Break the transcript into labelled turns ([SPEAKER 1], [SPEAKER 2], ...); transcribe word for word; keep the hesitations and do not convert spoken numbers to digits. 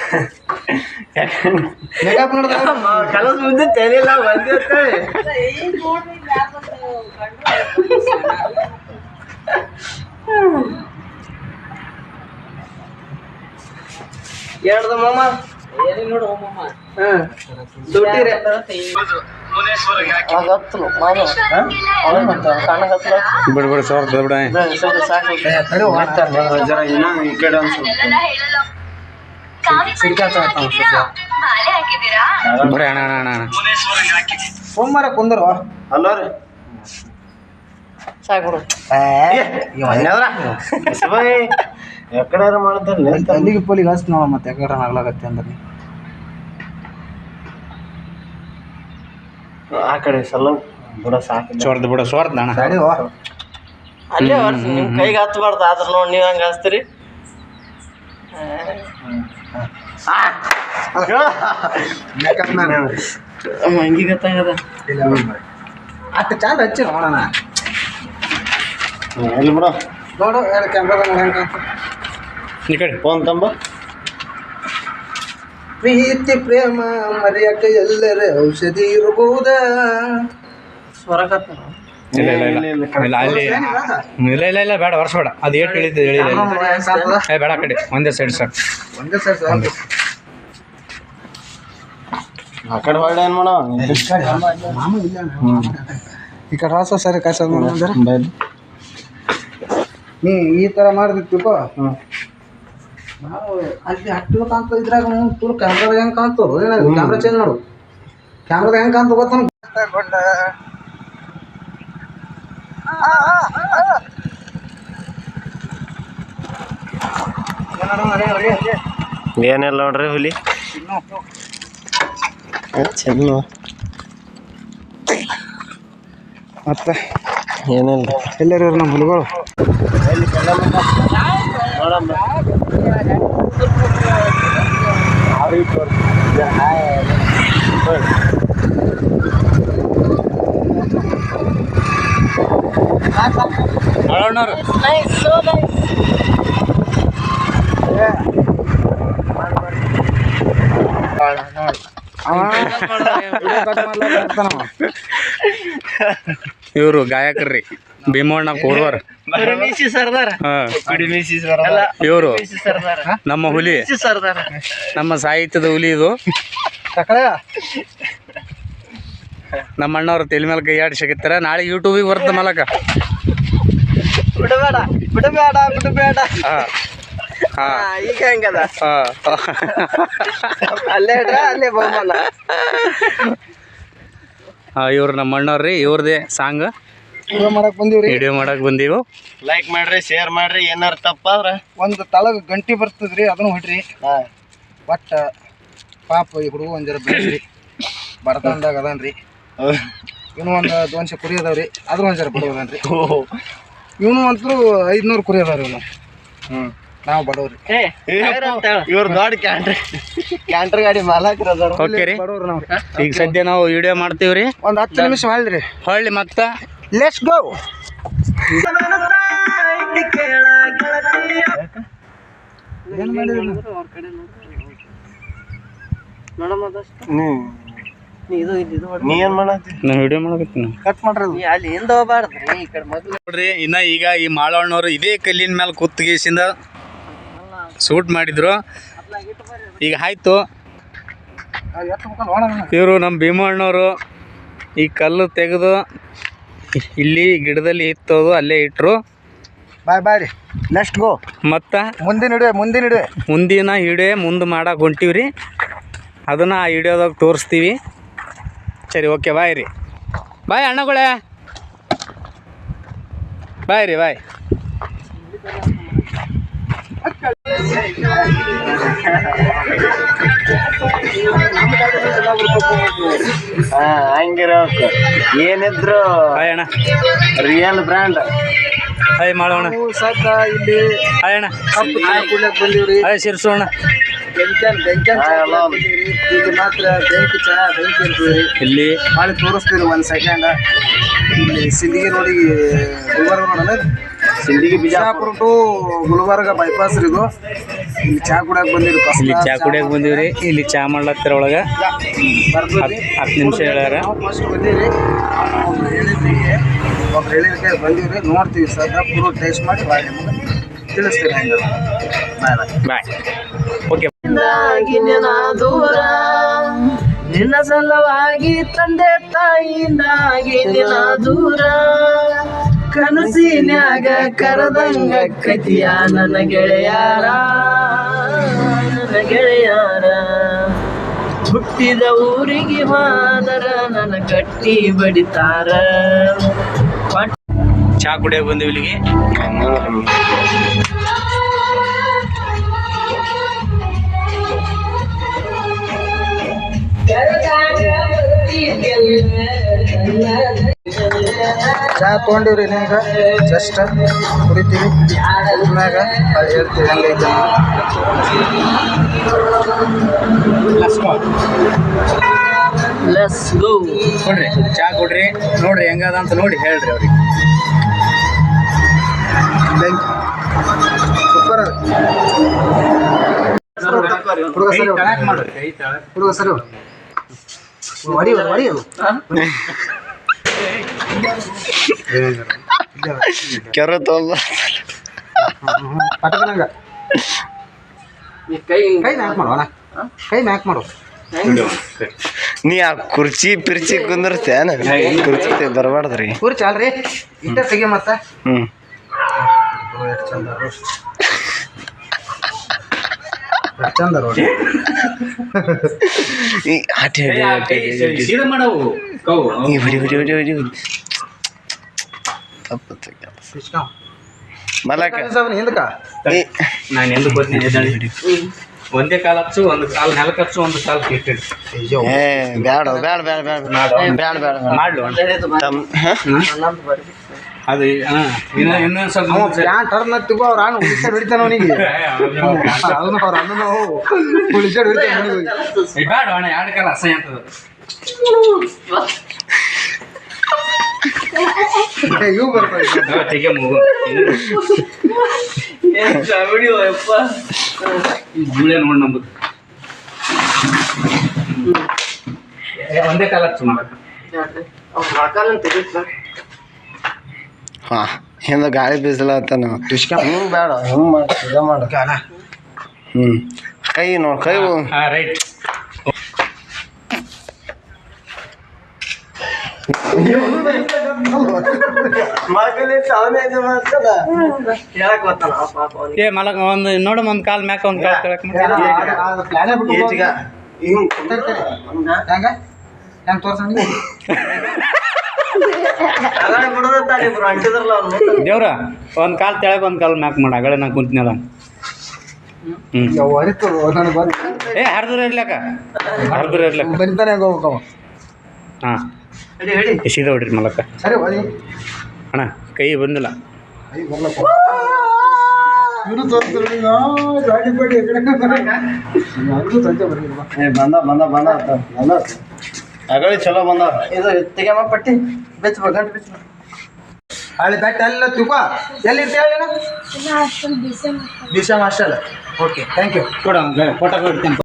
[SPEAKER 1] Makeup ನೋಡ್ದ
[SPEAKER 2] ಕಲಸ್ ಮುಂದೆ ತೆಲಿಲ್ಲ ಬಂದಿರುತ್ತೆ ಹೇಳ್ದ ಮಾಮ ನೋಡು ಮಾಮ ದುಡ್ಡಿರೆ
[SPEAKER 3] ಬಿಡ್ಬಿಡ ಸಾವಿರ ಬಿಡ
[SPEAKER 2] ಈ ಕಡೆ
[SPEAKER 3] ಬರೀ ಅಣ್ಣ ಅಣ್ಣ ಅಣ್ಣ
[SPEAKER 1] ಸೋಮವಾರ ಕುಂದರು
[SPEAKER 2] ಅಲ್ಲೋ ರೀ
[SPEAKER 1] ಸಾಕು
[SPEAKER 2] ಎಕಡೆ ಮಾಡ್ತಾರೆ
[SPEAKER 1] ಅಲ್ಲಿಗೆ ಪೋಲಿಗೆ ಹಸ್ತ ನೋಡ ಮತ್ತೆ ಎಕಡೆ ಆಗ್ಲಾಗತ್ತೆ ಅಂದ್ರೆ
[SPEAKER 2] ಆ ಕಡೆ ಸಲ ಬಿಡ ಸಾಕು
[SPEAKER 3] ಸೋರ್ದ ಬಿಡ ಸೋರ್ದ ಅಣ್ಣ
[SPEAKER 2] ಅಲ್ಲೇ ನಿಮ್ ಕೈಗೆ ಹತ್ಬಾರ್ದು ಆದ್ರ ನೋಡಿ ನೀವ್ ಹಂಗ ಹಚ್ತೀರಿ ಹಂಗಿ ಗೊತ್ತಾಗದ
[SPEAKER 1] ಅಷ್ಟು ಚಂದ ಹಚ್ಚಿ ನೋಡೋಣ
[SPEAKER 2] ಎಲ್ಲಿ ಬಿಡ
[SPEAKER 1] ನೋಡು ಕ್ಯಾಮ್ರಾದಾಗ ಹೆಂಗೆ
[SPEAKER 3] ಈ ಕಡೆ
[SPEAKER 2] ಫೋನ್ ತಂಬ
[SPEAKER 1] ಪ್ರೀತಿ ಪ್ರೇಮ ಮರೆಯಕ ಎಲ್ಲರ ಔಷಧಿ ಇರಬಹುದ ಸ್ವರಗತ್ತ
[SPEAKER 3] ಇಲ್ಲ ಇಲ್ಲ ಇಲ್ಲ ಇಲ್ಲ ಅಲ್ಲಿ ಇಲ್ಲ ಇಲ್ಲ ಇಲ್ಲ ಬೇಡ ವರ್ಷ ಬೇಡ ಅದು ಏಟು ಇಳಿತದೆ ಹೇಳಿಲ್ಲ ಏ ಬೇಡ ಕಡೆ ಒಂದೇ ಸೈಡ್ ಸರ್
[SPEAKER 1] ಒಂದೇ ಸೈಡ್ ಸಾಕು
[SPEAKER 2] ಆ ಕಡೆ ಹೊರಡೆ ಏನು ಮಾಡೋ
[SPEAKER 1] ಮಾಮ ಇಲ್ಲ ಈ ಕಡೆ ರಾಸ ಸರಿ ಕಸ ನೀ ಈ ಥರ ಮಾಡಿದಿತ್ತು ನಾವು ಅಲ್ಲಿ ಹಟ್ಟು ಕಾಣ್ತ ಇದ್ರಾಗ ತುಳು ಕ್ಯಾಮ್ರಾದಾಗ ಹೆಂಗೆ ಕಾಣ್ತದ ಏನಾದ್ರು ಕ್ಯಾಮ್ರಾ ಚೇಂಜ್ ಮಾಡು ಕ್ಯಾಮ್ರಾದಾಗ ಹೆಂಗೆ ಕಾಣ್ತ ಗೊತ್ತ
[SPEAKER 2] ಏನಿಲ್ಲ ನೋಡ್ರಿ ಹುಲಿ ಚೆನ್ನ
[SPEAKER 1] ಮತ್ತೆ
[SPEAKER 2] ಏನಿಲ್ಲ
[SPEAKER 1] ಎಲ್ಲರೂ ನಮ್ಮ ಹುಲಿಗಳು
[SPEAKER 3] ಇವರು ಗಾಯಕರ್ರಿ ಭೀಮಣ್ಣ ಕೋರ್ವರ್ ಇವರು ನಮ್ಮ ಹುಲಿ ನಮ್ಮ ಸಾಹಿತ್ಯದ ಹುಲಿ ಇದು ನಮ್ಮ ಅಣ್ಣವ್ರು ತಲೆ ಮೇಲೆ ಕೈ ಆಡಿ ಸಿಗುತ್ತಾರೆ ನಾಳೆ ಯೂಟ್ಯೂಬಿಗೆ ಬರುತ್ತೆ ಮಲಕ
[SPEAKER 2] ಬಿಡಬೇಡ ಬಿಡಬೇಡ ಬಿಡಬೇಡ
[SPEAKER 3] ಹಾ
[SPEAKER 2] ಈಗ ಹೆಂಗದ
[SPEAKER 3] ಹಾ
[SPEAKER 2] ಅಲ್ಲೇ ಇಡ್ರ ಅಲ್ಲೇ ಬಹುಮಾನ
[SPEAKER 3] ಇವ್ರು ನಮ್ಮ ಅಣ್ಣವ್ರಿ ಇವ್ರದೇ ಸಾಂಗ್
[SPEAKER 1] ವಿಡಿಯೋ ಮಾಡಕ್ ಬಂದೀವ್ರಿ
[SPEAKER 3] ವಿಡಿಯೋ ಮಾಡಕ್ ಬಂದೀವು
[SPEAKER 2] ಲೈಕ್ ಮಾಡ್ರಿ ಶೇರ್ ಮಾಡ್ರಿ ಏನಾರ ತಪ್ಪಾದ್ರ
[SPEAKER 1] ಒಂದು ತಳಗ ಗಂಟಿ ಬರ್ತದ್ರಿ ಅದನ್ನು ಹೊಡ್ರಿ ಒಟ್ಟ ಪಾಪ ಈ ಹುಡುಗ ಒಂದ್ ಜರ ಬೆಳೆಸ್ರಿ ಬಡತನದಾಗ ಅದಾನ್ರಿ ಇವನು ಒಂದು ದೋನ್ಸೆ ಕುರಿ ಅದಾವ್ರಿ ಅದ್ರ ಒಂದ್ ಜರ ಬಡವದನ್ರಿ ಇವನು ಅಂತೂ ಐದ್ನೂರು ಕುರಿ ಅದಾವ್ರಿ ಇವನು ಹ್ಮ್ ನಾವು ಬಡವ್ರಿ
[SPEAKER 2] ಇವ್ರ ದೊಡ್ಡ ಕ್ಯಾಂಟ್ರಿ ಕ್ಯಾಂಟ್ರ್ ಗಾಡಿ ಮಾಲಕ್ರ ಅದಾರ
[SPEAKER 3] ಓಕೆ ರೀ
[SPEAKER 1] ಬಡವ್ರಿ ನಾವು
[SPEAKER 3] ಈಗ ಸದ್ಯ ನಾವು ವಿಡಿಯೋ ಮಾಡ್ತೀವ್ರಿ
[SPEAKER 1] ಒಂದು ಹತ್ತು ನಿಮಿಷ ಮಾಡ್ರಿ
[SPEAKER 3] ಹೊಳ್ಳಿ ಮತ್ತ
[SPEAKER 1] ಲೆಟ್ಸ್ ಗೋ ಏನ್ ಮಾಡಿದ್ರಿ
[SPEAKER 2] ನೀ ಏನ್ ಮಾಡತ್ತಿ
[SPEAKER 3] ನಾವು ವಿಡಿಯೋ ಮಾಡಕತ್ತೀನಿ
[SPEAKER 1] ಕಟ್ ಮಾಡ್ರಿ
[SPEAKER 2] ಅಲ್ಲಿ ಹಿಂದ ಹೋಗ್ಬಾರ್ದ್ರಿ ಈ ಕಡೆ ಮೊದ್ಲು
[SPEAKER 3] ನೋಡ್ರಿ ಇನ್ನ ಈಗ ಈ ಮಾಳವಣ್ಣವ್ರು ಇದೇ ಕಲ್ಲಿನ ಮೇಲೆ ಕುತ್ತಿಗೆಸಿಂದ ಶೂಟ್ ಮಾಡಿದ್ರು ಈಗ ಆಯ್ತು ಇವರು ನಮ್ಮ ಭೀಮಣ್ಣವರು ಈ ಕಲ್ಲು ತೆಗೆದು ಇಲ್ಲಿ ಗಿಡದಲ್ಲಿ ಇತ್ತೋದು ಅಲ್ಲೇ ಇಟ್ಟರು
[SPEAKER 1] ಬಾಯ್ ಬಾಯ್ ರೀ ನೆಕ್ಸ್ಟ್ ಗೋ
[SPEAKER 3] ಮತ್ತು
[SPEAKER 1] ಮುಂದಿನ ಹಿಡಿವೆ ಮುಂದಿನ ಹಿಡಿವೆ
[SPEAKER 3] ಮುಂದಿನ ಹಿಡಿಯೋ ಮುಂದೆ ಮಾಡಕ್ಕೆ ಹೊಂಟೀವಿ ರೀ ಅದನ್ನು ಆ ಹಿಡಿಯೋದಾಗ ತೋರಿಸ್ತೀವಿ ಸರಿ ಓಕೆ ಬಾಯ್ ರೀ ಬಾಯ್ ಅಣ್ಣಗಳೇ ಬಾಯ್ ರೀ ಬಾಯ್
[SPEAKER 2] ಹಾ ಹಂಗಿರೋಕ್ ಏನಿದ್ರು
[SPEAKER 3] ಬಾಯ್ ಅಣ್ಣ
[SPEAKER 2] ರಿಯಲ್ ಬ್ರ್ಯಾಂಡ್
[SPEAKER 3] ಹಾಯ್ ಮಾಡೋಣ
[SPEAKER 1] ಸದ್ದ ಇಲ್ಲಿ
[SPEAKER 3] ಹಾಯ್ ಅಣ್ಣ
[SPEAKER 1] ಕಪ್ಪು ಚಾ ಕುಡಿಯಕ್ ಬಂದೀವ್ರಿ
[SPEAKER 3] ಹಾಯ್ ಶಿರ್ಸು ಅಣ್ಣ
[SPEAKER 1] ಬೆಂಕನ್ ಬೆಂಕನ್ ಇಲ್ಲಿ ಮಾತ್ರ ಬೆಂಕಿ ಚಾ ಬೆಂಕಿ ಅಂತೀವಿ
[SPEAKER 3] ಇಲ್ಲಿ
[SPEAKER 1] ಮಾಡಿ ತೋರಿಸ್ತೀವಿ ಒಂದು ಸೆಕೆಂಡ್ ಇಲ್ಲಿ ಸಿಂದಗಿ ರೋಡಿಗೆ ಗುಲ್ಬರ್ಗ ನೋಡೋಣ
[SPEAKER 2] ಸಿಂದಗಿ
[SPEAKER 1] ಬಿಜಾಪುರ ಟು ಗುಲ್ಬರ್ಗ ಬೈಪಾಸ್ ರೀ ಇದು. ಇಲ್ಲಿ ಚಾ ಕುಡಿಯಕ್ಕೆ ಬಂದಿರಿ.
[SPEAKER 3] ಇಲ್ಲಿ ಚಾ ಕುಡಿಯಕ್ಕೆ ಬಂದೀವ್ರಿ. ಇಲ್ಲಿ ಚಾ ಮಾಡ್ಲತ್ತರ ಒಳಗೆ
[SPEAKER 1] ಬರ್ತದ್ರಿ.
[SPEAKER 3] ಹತ್ತು ನಿಮಿಷ ಹೇಳ್ಯಾರ.
[SPEAKER 1] ನಾವು ಫಸ್ಟ್ ಬಂದೀವಿ, ಅವ್ರು ಹೇಳಿದ್ರಿ, ಒಬ್ರು ಹೇಳಿದಕ್ಕೆ ಬಂದೀವಿ. ನೋಡ್ತೀವಿ ಸರ್, ಪೂರ ಟೇಸ್ಟ್ ಮಾಡಿ ಬಾಯ್ ನಿಮ್ಗೆ ತಿಳಿಸ್ತೀವಿ ಹೆಂಗೆ.
[SPEAKER 3] ಬಾಯ್. ಓಕೆ.
[SPEAKER 2] ದೂರ ನಿನ್ನ ಸಲುವಾಗಿ ತಂದೆ ತಾಯಿಯಿಂದಾಗಿ ನಿನ್ನ ದೂರ ಕನಸಿನ್ಯಾಗ ಕರದಂಗ ಕತಿಯ ನನ್ನ ಗೆಳೆಯಾರ ನನ್ನ ಗೆಳೆಯಾರ ಹುಟ್ಟಿದ ಊರಿಗೆ ಮಾದರ ನನ್ನ ಕಟ್ಟಿ ಬಡಿತಾರ.
[SPEAKER 3] ಚಾ ಕುಡಿಯಕ್ಕೆ ಬಂದೀವಿ ಇಲ್ಲಿಗೆ.
[SPEAKER 1] ಚಾ ತೊಗೊಂಡಿವ್ರಿ ಈಗ ಜಸ್ಟ್ ಕುಡಿತೀವಿ. ಕುಡಿದ್ಮ್ಯಾಗ ಅದು ಹೇಳ್ತೀವಿ ಹೆಂಗೈತೆ.
[SPEAKER 2] Let's go.
[SPEAKER 3] ಕೊಡ್ರಿ ಚಾ ಕೊಡ್ರಿ, ನೋಡ್ರಿ ಹೆಂಗದ ಅಂತ ನೋಡಿ ಹೇಳ್ರಿ ಅವ್ರಿಗೆ.
[SPEAKER 1] ಸೂಪರ್ ಹುಡುಗ ಸರಿ ಹುಡುಗ ಸರಿ ಹೊಡಿ ಹೊಡಿ
[SPEAKER 2] ಕೆರ ತೊಂಬ
[SPEAKER 1] ಪಟಕನಂಗ
[SPEAKER 2] ಕೈ
[SPEAKER 1] ಕೈ ಮ್ಯಾಕ್ ಮಾಡು ಅಣ್ಣ, ಕೈ ಮ್ಯಾಕ್ ಮಾಡು.
[SPEAKER 2] ನೀ ಆ ಕುರ್ಚಿ ಪಿರ್ಚಿ ಕುಂದಿರ್ತೇನ ಕುರ್ಚಿ ಬರಬಾರ್ದ್ರಿ.
[SPEAKER 1] ಕುರ್ಚಿ ಅಲ್ರಿ ಇಟ್ಟ ತೆಗಿ ಮತ್ತ.
[SPEAKER 2] ಹ್ಮ್
[SPEAKER 1] ಎಷ್ಟು ಚಂದ ಎಷ್ಟು ಚಂದ ರೋಡ್.
[SPEAKER 2] ಮಲಕ
[SPEAKER 1] ಹಿಂದಕ
[SPEAKER 3] ನಾನು ಎಂದು ಗೊತ್ತೀನಿ. ಒಂದೇ ಕಾಲ ಹಚ್ಚು, ಒಂದು ಕಾಲು ನೆಲಕ್ಕೆ ಹಚ್ಚು, ಒಂದು ಕಾಲು ಕಿಟ್ಟಿಡು.
[SPEAKER 2] ಏ ಬ್ಯಾಡ ಬ್ಯಾಡ ಬ್ಯಾಡ ಬ್ಯಾಡ ಬ್ಯಾಡ ಬ್ಯಾಡ
[SPEAKER 3] ಮಾಡ್ಲು ಅದು ಇನ್ನ ಇನ್ನೊಂದು ಸ್ವಲ್ಪ
[SPEAKER 1] ಪ್ಯಾಂಟ್ ಟರ್ನ್ ಹತ್ತಿಗೋ ಅವ್ರ ಅಣ್ಣ ಉಳಿಸಾಡ್ ಹೊಡಿತಾನ ಅವನಿಗೆ. ಅವನು ಅವ್ರ ಅಣ್ಣ ನಾವು ಉಳಿಸಾಡ್ ಹೊಡಿತಾನೆ.
[SPEAKER 3] ಬೇಡ ಅಣ್ಣ, ಎರಡು ಕಾಲ ಅಸಹ್ಯ ಅಂತದ.
[SPEAKER 1] ಇವು ಬರ್ತಾರೆ
[SPEAKER 3] ತೆಗೆ ಮೂಗು ಜೂಳೆ ನೋಡಿ ನಂಬುದು. ಒಂದೇ ಕಾಲ ಹಚ್ಚು ಮಾಡಕ.
[SPEAKER 2] ಹಾ ಹಿಂದ ಗಾಳಿ ಬೀಸಲತ್ತಾನ. ಹಿಂಗ್ ಬೇಡ ಹಿಂಗ್ ಮಾಡ ಇದ ಮಾಡ. ಹ್ಮ್ ಕೈ ನೋಡ್ ಕೈ.
[SPEAKER 3] ಹಾ ರೈಟ್. ಏ ಮಲಕ ಒಂದು ನೋಡಮ್ಮ, ಒಂದು ಕಾಲ್ ಮ್ಯಾಕ ಒಂದು ಕಾಲ್ ಕೆಳಕ್
[SPEAKER 1] ಹೆಂಗ ಹೆಂಗ್ ತೋರ್ಸ
[SPEAKER 3] ದೇವ್ರ ಒಂದ್ ಕಾಲ್ ತೆಳಗ್ ಒಂದ್ ಕಾಲ್ ಮ್ಯಾಕ್ ಮಾಡ. ಅಗಳೆ ನಾ ಕುಂತಿನಲ್ಲ. ಹ್ಮ್ ಏ ಹರ್ದ್ರ ಇರ್ಲಕ್ಕ, ಹರ್ದ್ರ ಇರ್ಲಕ್ಕ
[SPEAKER 1] ಬರಿತಾನೆ ಹೆಂಗ ಹೋಗ್ಬೇಕವ.
[SPEAKER 3] ಹಾ ಸೀದಾ ಹೊಡ್ರಿ ಮಲಕ್ಕ.
[SPEAKER 1] ಸರಿ ಹೊಡಿ
[SPEAKER 3] ಅಣ್ಣ, ಕೈ ಬಂದಿಲ್ಲ.
[SPEAKER 1] ಇವರು ತೋರಿಸ್ತಾರೆ ಗಾಡಿ ಬಾಡಿ
[SPEAKER 2] ಬಂದ ಬಂದ ಬಂದ ಬಂದ ಅಗಳಿ ಚಲೋ ಬಂದ. ಇದು ತೆಗೆಮ ಪಟ್ಟಿ ಬೆಚ್ಚ ಗಂಟು ಬೆಚ್ಚ
[SPEAKER 1] ಹಳೆ ಬೆಟ್ಟ ಎಲ್ಲ ತುಕೋ ಎಲ್ಲಿ ಇರ್ತೇವೆ. Disha master. Okay thank you.
[SPEAKER 3] ಕೊಡ ಫೋಟೋ ಕೊಡ್ತೇನೆ.